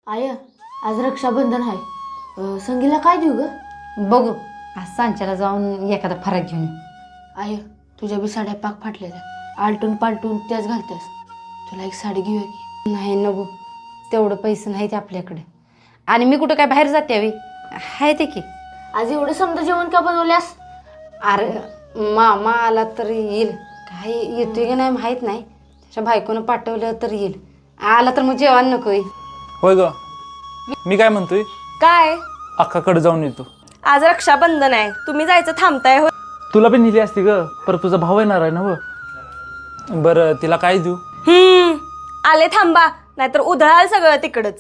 I आज रक्षाबंधन आहे, संगीला काय देऊ ग? बघू आज सांच्याला जाऊन एखादा फराक घेऊन येऊ. आय तुझ्या बी साड्या पाक फाटलेल्या, आलटून पालटून त्याच घालतेस. तुला एक साडी घेऊया की? नाही नको, तेवढं पैसे नाहीत आपल्याकडे. आणि मी कुठं काय बाहेर जाते हवी आहे ते की. आज एवढं समजा जेवण का बनवल्यास? अरे मामा आला तर येईल, काय येतोय की नाही माहीत नाही. त्याच्या बायकोनं पाठवलं तर येईल, आला तर मग जेवण नको येईल. होय ग, मी काय म्हणतोय, काय अक्काकडे जाऊन येतो. आज रक्षाबंधन आहे, तुम्ही जायचं थांबताय हो? तुला पण नेली असती ग, पर तुझा भाऊ येणार आहे ना व. बरं तिला काय देऊ? आले थांबा, नाहीतर उधळाल सगळं तिकडच.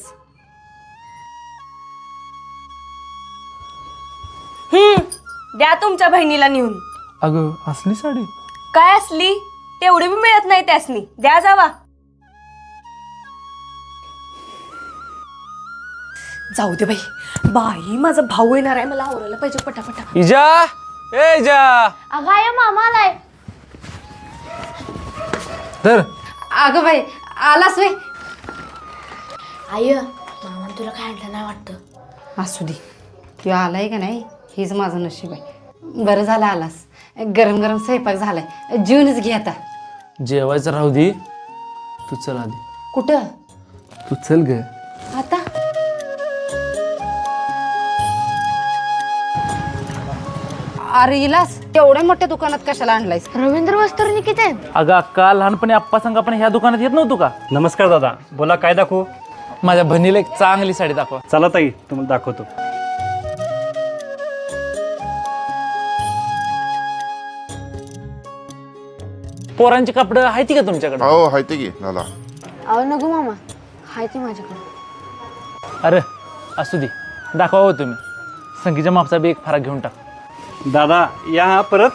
द्या तुमच्या बहिणीला नेऊन. अगं असली साडी? काय असली, तेवढी बी मिळत नाही त्यासनी, द्या जावा. जाऊ दे बाई, बाई माझा भाऊ येणार आहे, मला आवरायला पाहिजे पटापटा. इजा, ए इजा, अगं आय मामा आलाय. तर अगं बाई आलास वे. आय मामा तुला काय आणलं नाही वाटतं? असू दे, तू आलाय का नाही हेच माझं नशीब आहे. बरं झालं आलास, गरम गरम स्वयंपाक झालाय, जेवणच घे आता. जेवायचं राहू दे, तू चल आधी. कुठं? तू चल ग. आता अरे इलास, तेवढ्या मोठ्या दुकानात कशाला आणलायस? रवींद्र वस्त्र किती आहेत? अगं अक्का, लहानपणी आप्पा संग आपण ह्या दुकानात येत नव्हतो का? नमस्कार दादा, बोला काय दाखवू? माझ्या बहिणीला एक चांगली साडी दाखवा. चला ताई, तुम्हाला दाखवतो. पोरांची कपडे आहेत का तुमच्याकडे? हो हाय ते की दादा. अहो नको मामा, हाय ती माझ्याकडे. अरे असू दे, दाखवा हो तुम्ही. संगीच्या मापचा बी एक फराक घेऊन टाक. दादा या हा परत.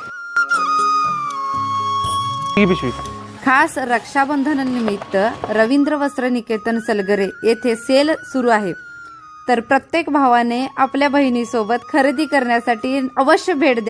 ही पिशवी. खास रक्षाबंधनानिमित्त रवींद्र वस्त्र निकेतन सलगरे येथे सेल सुरू आहे. तर प्रत्येक भावाने आपल्या बहिणीसोबत खरेदी करण्यासाठी अवश्य भेट द्या.